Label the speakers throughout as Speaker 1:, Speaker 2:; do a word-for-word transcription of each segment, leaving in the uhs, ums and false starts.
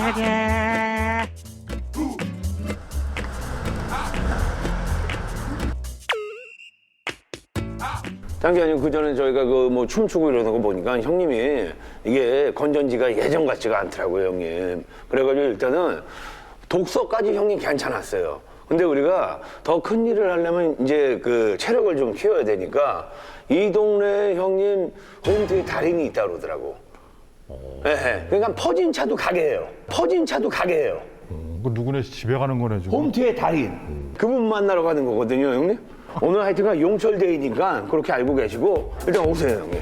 Speaker 1: 딴 게 아니고 그 전에 저희가 그 뭐 춤추고 이러는 거 보니까 형님이 이게 건전지가 예전 같지가 않더라고요, 형님. 그래가지고 일단은 독서까지 형님 괜찮았어요. 근데 우리가 더 큰 일을 하려면 이제 그 체력을 좀 키워야 되니까 이 동네에 형님 홈트에 달인이 있다 그러더라고. 예, 네, 그러니까 퍼진 차도 가게 해요. 퍼진 차도 가게 해요.
Speaker 2: 음, 그 누구네 집에 가는 거네 지금.
Speaker 1: 홈트의 달인. 음. 그분 만나러 가는 거거든요, 형님. 오늘 하여튼간 용철데이니까 그렇게 알고 계시고 일단 오세요, 형님.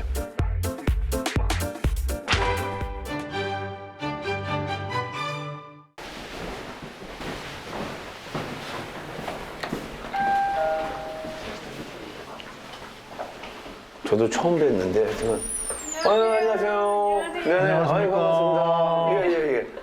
Speaker 1: 저도 처음 뵀는데 하여튼 아유, 안녕하세요. 네, 아유, 반갑습니다. 예, 예, 예.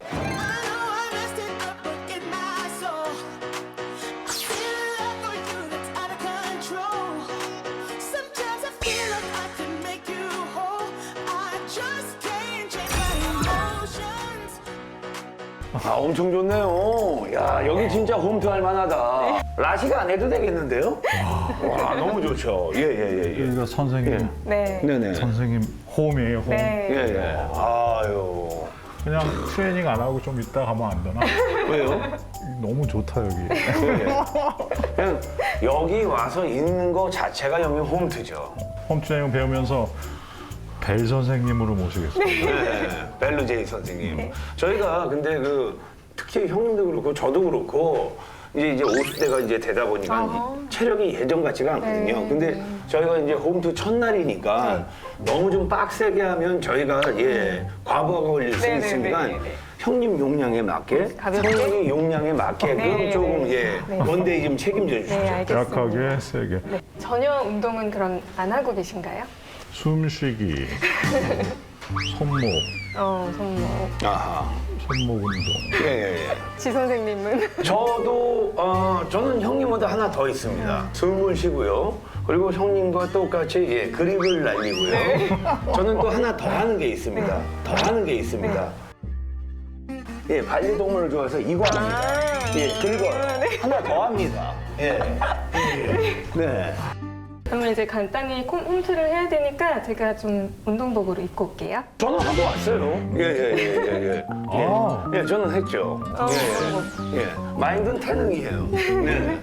Speaker 1: 아, 엄청 좋네요. 야, 여기 진짜 홈트 할 만하다. 라시가 안 해도 되겠는데요? 와, 너무 좋죠. 예, 예, 예. 예.
Speaker 2: 여기가 선생님.
Speaker 1: 예.
Speaker 3: 네.
Speaker 1: 네네.
Speaker 2: 선생님 홈이에요, 홈.
Speaker 3: 네.
Speaker 1: 예, 예. 아유.
Speaker 2: 그냥 트레이닝 안 하고 좀 이따 가면 안 되나?
Speaker 1: 왜요?
Speaker 2: 너무 좋다 여기.
Speaker 1: 예. 그냥 여기 와서 있는 거 자체가 형님 홈트죠.
Speaker 2: 홈 트레이닝 배우면서 벨 선생님으로 모시겠습니다.
Speaker 1: 네, 벨루제이 선생님. 저희가 근데 그 특히 형님도 그렇고 저도 그렇고 이제 이제 오십 대가 이제 되다 보니까
Speaker 3: 아하.
Speaker 1: 체력이 예전 같지가 않거든요.
Speaker 3: 네.
Speaker 1: 근데 저희가 이제 홈트 첫날이니까 너무 좀 빡세게 하면 저희가 예 과부하가 걸릴 수
Speaker 3: 네, 네,
Speaker 1: 있으니까
Speaker 3: 네, 네, 네.
Speaker 1: 형님 용량에 맞게
Speaker 3: 가볍게?
Speaker 1: 형님이 용량에 맞게끔
Speaker 3: 네,
Speaker 1: 조금
Speaker 3: 네,
Speaker 1: 예
Speaker 3: 네.
Speaker 1: 원데이 좀 책임져 주시죠.
Speaker 3: 네, 알겠습니다.
Speaker 2: 약하게, 세게.
Speaker 3: 네. 전혀 운동은 그럼 안 하고 계신가요?
Speaker 2: 숨쉬기, 손목,
Speaker 3: 어, 손목.
Speaker 1: 아하.
Speaker 2: 손목 운동.
Speaker 1: 예, 예, 예.
Speaker 3: 지 선생님은?
Speaker 1: 저도 어 저는 형님보다 하나 더 있습니다. 숨을 쉬고요. 그리고 형님과 똑같이 예, 그립을 날리고요. 저는 또 하나 더 하는 게 있습니다. 더 하는 게 있습니다. 예, 반려동물을 좋아해서 이거 합니다.
Speaker 3: 아.
Speaker 1: 예, 긁어요. 하나 더 합니다. 예. 예. 네.
Speaker 3: 그러면 이제 간단히 홈- 홈트를 해야 되니까 제가 좀 운동복으로 입고 올게요.
Speaker 1: 저는 하고 왔어요. 예, 예, 예, 예, 예.
Speaker 2: 아.
Speaker 1: 예, 저는 했죠.
Speaker 3: 어,
Speaker 1: 예, 예. 마인드는 태능이에요. 네.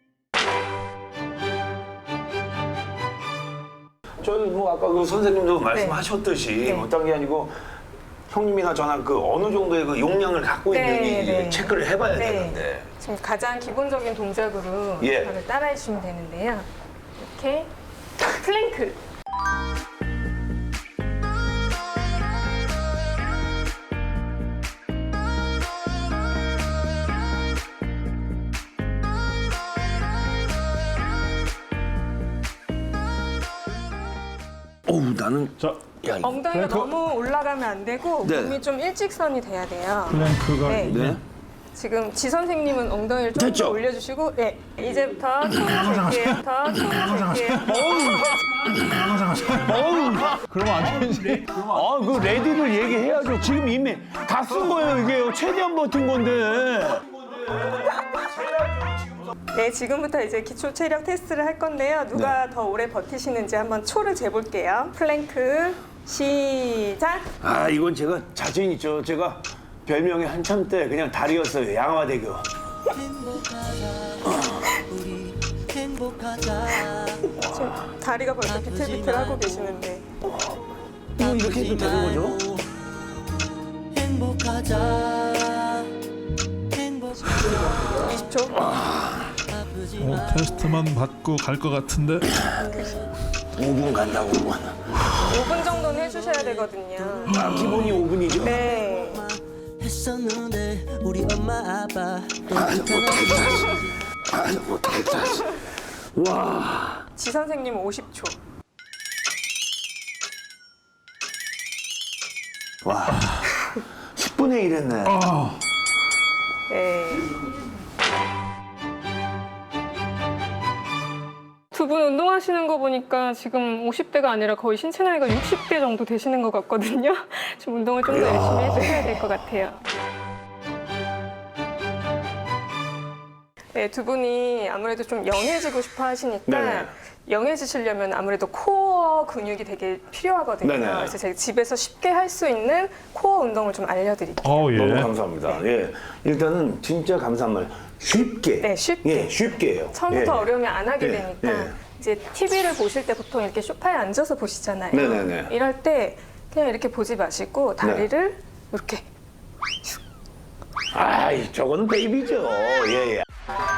Speaker 1: 저희 뭐 아까 그 선생님도 말씀하셨듯이
Speaker 3: 네.
Speaker 1: 어떤 게 아니고 형님이나 저나 그 어느 정도의 그 용량을 갖고
Speaker 3: 네,
Speaker 1: 있는지
Speaker 3: 네.
Speaker 1: 체크를 해봐야
Speaker 3: 네.
Speaker 1: 되는데.
Speaker 3: 지금 가장 기본적인 동작으로
Speaker 1: 예.
Speaker 3: 저를 따라해 주시면 되는데요. 이렇게 플랭크.
Speaker 1: 어우 나는
Speaker 2: 자,
Speaker 1: 야 이거
Speaker 3: 엉덩이가
Speaker 2: 플랭크.
Speaker 3: 너무 올라가면 안 되고
Speaker 1: 네.
Speaker 3: 몸이 좀 일직선이 돼야 돼요.
Speaker 2: 플랭크가
Speaker 3: 네.
Speaker 1: 네.
Speaker 3: 지금 지 선생님은 엉덩이를 좀
Speaker 1: 됐죠?
Speaker 3: 더 올려주시고, 네. 이제부터 손을 잴게요. 더 손을 잴게요.
Speaker 2: 그러면 안 되지.
Speaker 1: 아, 그 레디를 얘기해야죠. 지금 이미 다 쓴 거예요, 이게요. 최대한 버틴 건데.
Speaker 3: 네, 지금부터 이제 기초 체력 테스트를 할 건데요. 누가 더 오래 버티시는지 한번 초를 재볼게요. 플랭크 시작.
Speaker 1: 아, 이건 제가 자신 있죠. 제가 별명이 한참 때 그냥 달이었어요. 양화대교.
Speaker 3: 지금 다리가 벌써 비틀비틀하고 계시는데.
Speaker 1: 이거 이렇게 해도 되는 거죠?
Speaker 4: 행복하자 행복하자
Speaker 3: 이십 초.
Speaker 2: 어, 테스트만 받고 갈 것 같은데.
Speaker 1: 오 분 간다고. 오 분.
Speaker 3: 오 분 정도는 해주셔야 되거든요.
Speaker 1: 아, 기본이 오 분이죠?
Speaker 3: 네.
Speaker 4: 했었는데 우리 엄마 아빠
Speaker 1: 아, 못하겠다. 아, 못하겠다. 와.
Speaker 3: 지 선생님 오십 초.
Speaker 1: 와. 십 분의 일 했네.
Speaker 2: 아,
Speaker 3: 네. 두 분 운동하시는 거 보니까 지금 오십 대가 아니라 거의 신체 나이가 육십 대 정도 되시는 것 같거든요. 좀 운동을 좀 더 열심히 해주셔야 될 것 같아요. 네, 두 분이 아무래도 좀 영해지고 싶어 하시니까
Speaker 1: 네네.
Speaker 3: 영해지시려면 아무래도 코어 근육이 되게 필요하거든요.
Speaker 1: 네네.
Speaker 3: 그래서 제가 집에서 쉽게 할 수 있는 코어 운동을 좀 알려드릴게요.
Speaker 2: 어, 예.
Speaker 1: 너무 감사합니다. 예. 일단은 진짜 감사한 말. 쉽게.
Speaker 3: 네, 쉽게.
Speaker 1: 예, 쉽게 해요.
Speaker 3: 처음부터
Speaker 1: 예.
Speaker 3: 어려우면 안 하게
Speaker 1: 예,
Speaker 3: 되니까
Speaker 1: 예.
Speaker 3: 이제 티비를 보실 때 보통 이렇게 소파에 앉아서 보시잖아요.
Speaker 1: 네네네.
Speaker 3: 이럴 때 그냥 이렇게 보지 마시고 다리를
Speaker 1: 네.
Speaker 3: 이렇게
Speaker 1: 아이, 저거는 베이비죠. 예, 예.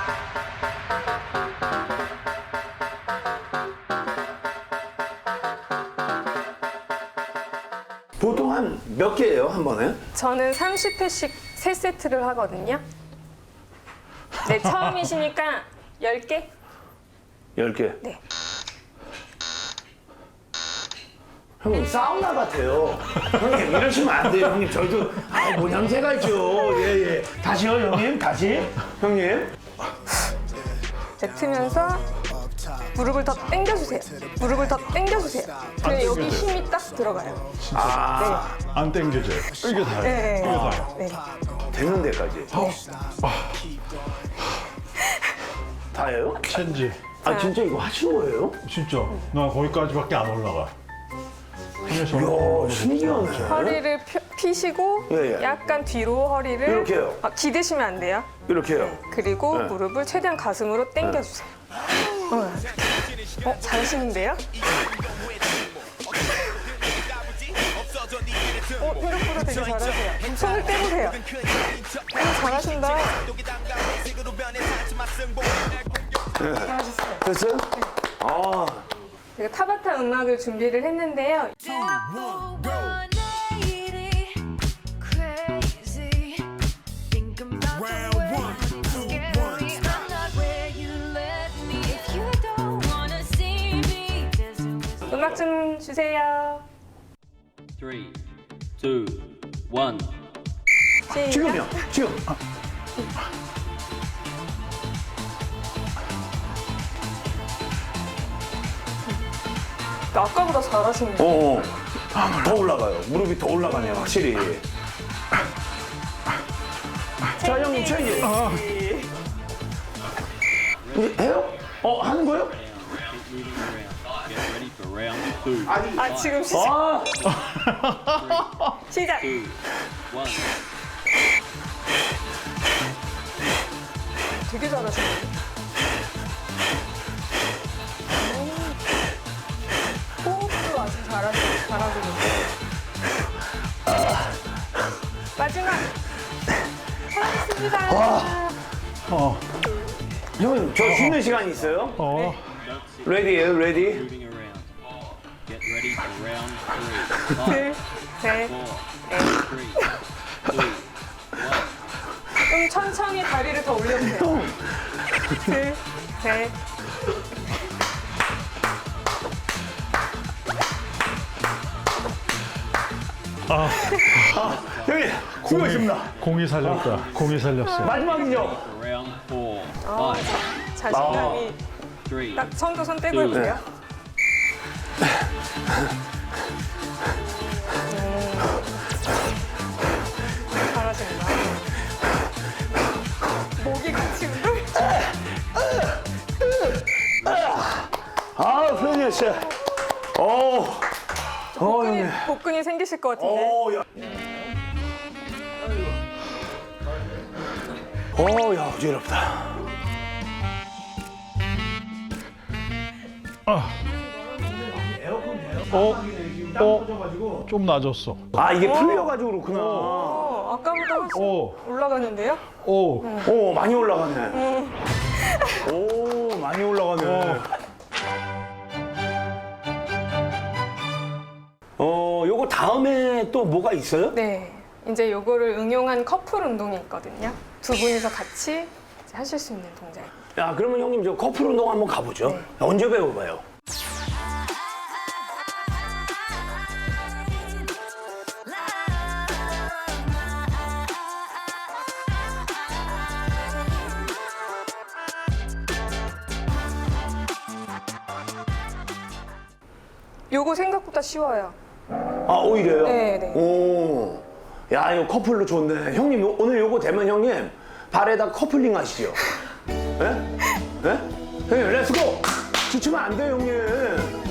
Speaker 1: 보통 한 몇 개예요, 한 번에?
Speaker 3: 저는 삼십 회씩 세 세트를 하거든요. 네, 처음이시니까 열 개?
Speaker 1: 열 개.
Speaker 3: 네.
Speaker 1: 형님, 사우나 같아요. 형님, 이러시면 안 돼요, 형님. 저희도, 아, 모양새가 있죠. 예, 예. 다시요, 형님? 다시? 형님?
Speaker 3: 뱉으면서 무릎을 더 당겨주세요. 무릎을 더 당겨주세요. 그럼 여기 힘이 딱 들어가요.
Speaker 1: 아,
Speaker 2: 안 땡겨져요. 이게 다예요.
Speaker 3: 네.
Speaker 2: 이게 다예요.
Speaker 3: 네.
Speaker 1: 되는 데까지. 다예요?
Speaker 2: 첸지.
Speaker 1: 아, 진짜 이거 하신 거예요?
Speaker 2: 진짜. 나 거기까지밖에 안 올라가.
Speaker 1: 이야, 신기하네.
Speaker 3: 허리를 펴- 피시고
Speaker 1: 예, 예.
Speaker 3: 약간 뒤로 허리를
Speaker 1: 이렇게요?
Speaker 3: 아, 기대시면 안 돼요.
Speaker 1: 이렇게 해요.
Speaker 3: 그리고
Speaker 1: 네.
Speaker 3: 무릎을 최대한 가슴으로 당겨주세요. 어, 어, 잘하시는데요? 어, 생각보다 되게 잘하세요. 손을 떼보세요. 어, 잘하신다. 잘하셨어요.
Speaker 1: 됐어요? 아,
Speaker 3: 제가 타바타 음악을 준비를 했는데요. 음악 좀 주세요.
Speaker 5: Three, two, one.
Speaker 3: 시작.
Speaker 1: 지금요. 지금. 아,
Speaker 3: 아까보다 잘하시네요.
Speaker 1: 어, 어. 더 올라가요. 무릎이 더 올라가네요, 확실히. 자, 형님, 체인지. 이제 해요? 어, 하는 거예요?
Speaker 5: Keep moving around. Get ready for round two.
Speaker 3: 아, 지금 시작.
Speaker 1: 아,
Speaker 3: 시작.
Speaker 5: Two, one.
Speaker 3: 되게 잘하시네요. 호흡도 아주 잘하시고 잘하시는데. 마지막. 잘하셨습니다.
Speaker 2: 어.
Speaker 1: 형님, 저 쉬는 시간이 있어요?
Speaker 2: 어.
Speaker 1: 레디예요, 레디?
Speaker 5: Moving around. Get ready for round three. Five,
Speaker 3: 둘, 셋,
Speaker 5: four,
Speaker 3: 넷.
Speaker 5: three, two, one.
Speaker 3: 좀 천천히 다리를 더 올려주세요. 둘, 셋.
Speaker 2: 아,
Speaker 1: 형님, 수고하셨습니다.
Speaker 2: 공이 살렸다. 공이 살렸어.
Speaker 1: 마지막이죠?
Speaker 5: Round four.
Speaker 3: 어,
Speaker 5: Five,
Speaker 3: 자신감이
Speaker 5: three,
Speaker 3: 딱 손도 손 떼고 해보세요. 음, 잘하신다. 목이 같이 운동.
Speaker 1: 아, 편이야, 진짜. 어, 어,
Speaker 3: 복근이,
Speaker 1: 형님.
Speaker 3: 복근이 생기실 것 같은데.
Speaker 1: 어, 야. 어, 야, 어지럽다.
Speaker 2: 어? 어? 좀 낮았어.
Speaker 1: 아, 이게 풀려가지고 그렇구나.
Speaker 3: 어, 아까보다 훨씬
Speaker 2: 오.
Speaker 3: 올라가는데요?
Speaker 2: 오.
Speaker 1: 오, 많이 올라가네. 오, 많이 올라가네. 어, 요거 다음에 또 뭐가 있어요?
Speaker 3: 네. 이제 요거를 응용한 커플 운동이 있거든요. 두 분이서 같이 이제 하실 수 있는 동작.
Speaker 1: 야, 그러면 형님 저 커플 운동 한번 가보죠.
Speaker 3: 네.
Speaker 1: 언제 배워봐요?
Speaker 3: 요거 생각보다 쉬워요.
Speaker 1: 아, 오히려요?
Speaker 3: 네, 네.
Speaker 1: 오, 야, 이거 커플로 좋네. 형님, 요- 오늘 요거 되면 형님 발에다 커플링 하시죠? 형님, 렛츠고! 지치면 안 돼요, 형님.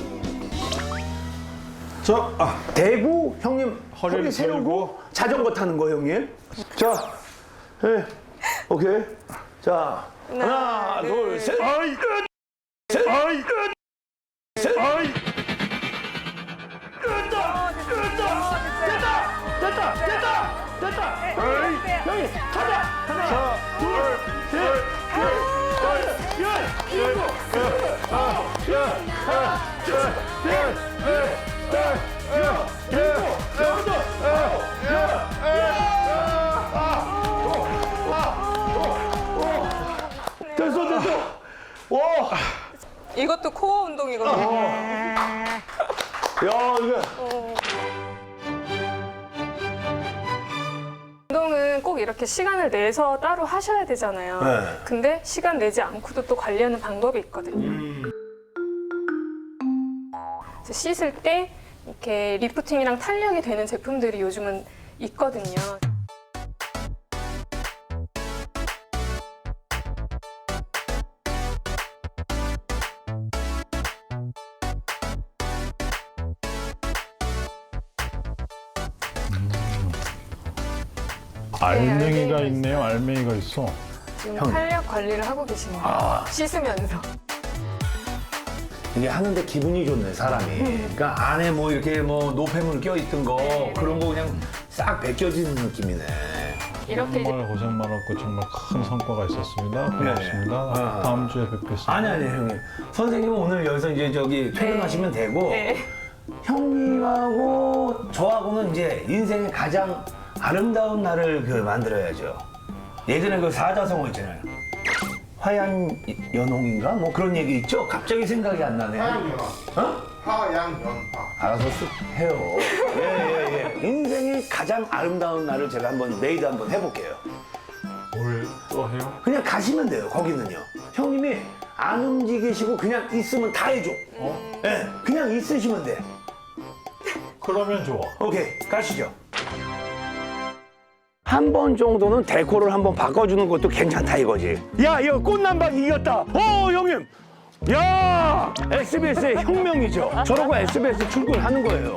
Speaker 2: 자, 아,
Speaker 1: 대고, 형님, 허리,
Speaker 2: 허리를
Speaker 1: 세우고,
Speaker 2: 세우고.
Speaker 1: 자전거 타는 거, 형님. 자, 예, 오케이. 자, 하나,
Speaker 3: 하나,
Speaker 1: 둘,
Speaker 3: 둘,
Speaker 1: 셋.
Speaker 2: 아이,
Speaker 1: 셋.
Speaker 2: 아이,
Speaker 1: 셋.
Speaker 2: 아이.
Speaker 1: 됐다! 됐다! 됐다! 됐다! 됐다! 형님, 가자! 하나, 둘, 셋, 넷, 여, 일곱, 아홉, 열, 하나, 둘, 셋, 넷, 다섯, 여섯, 일곱, 여덟, 아홉, 열, 됐어, 됐어! 와!
Speaker 3: 이것도 코어 운동이거든요.
Speaker 1: 야, 이거.
Speaker 3: 운동은 꼭 이렇게 시간을 내서 따로 하셔야 되잖아요.
Speaker 1: 네.
Speaker 3: 근데 시간 내지 않고도 또 관리하는 방법이 있거든요. 그래서 씻을 때 이렇게 리프팅이랑 탄력이 되는 제품들이 요즘은 있거든요.
Speaker 2: 알맹이가
Speaker 3: 알맹이가
Speaker 2: 있네요. 알맹이가 있어.
Speaker 3: 지금
Speaker 1: 형.
Speaker 3: 탄력 관리를 하고 계시는 거예요.
Speaker 1: 아.
Speaker 3: 씻으면서.
Speaker 1: 이게 하는데 기분이 좋네, 사람이. 그러니까 안에 뭐 이렇게 뭐 노폐물 껴있던 거,
Speaker 3: 네.
Speaker 1: 그런 거 그냥 싹 벗겨지는 느낌이네.
Speaker 3: 이렇게 이제
Speaker 2: 정말 고생 많았고 정말 큰 성과가 있었습니다. 고맙습니다.
Speaker 1: 네. 아.
Speaker 2: 다음 주에 뵙겠습니다.
Speaker 1: 아니, 아니, 형님. 선생님은 오늘 여기서 이제 저기 퇴근하시면 되고,
Speaker 3: 네.
Speaker 1: 형님하고 저하고는 이제 인생의 가장 아름다운 날을 그 만들어야죠. 예전에 그 사자성어 있잖아요. 화양 연홍인가? 뭐 그런 얘기 있죠? 갑자기 생각이 안 나네.
Speaker 6: 하양연화.
Speaker 1: 어?
Speaker 6: 하양연화.
Speaker 1: 알아서 쓱 해요. 예, 예, 예. 인생이 가장 아름다운 날을 제가 한번 메이드 한번 해볼게요.
Speaker 2: 뭘 또 해요?
Speaker 1: 그냥 가시면 돼요, 거기는요. 형님이 안 움직이시고 그냥 있으면 다 해줘. 어? 예, 그냥 있으시면 돼.
Speaker 2: 그러면 좋아.
Speaker 1: 오케이, 가시죠. 한 번 정도는 데코를 한번 바꿔주는 것도 괜찮다 이거지. 야, 이거 꽃남방 이겼다. 어, 형님. 야, 에스비에스의 혁명이죠. 저러고 에스비에스 출근하는 거예요.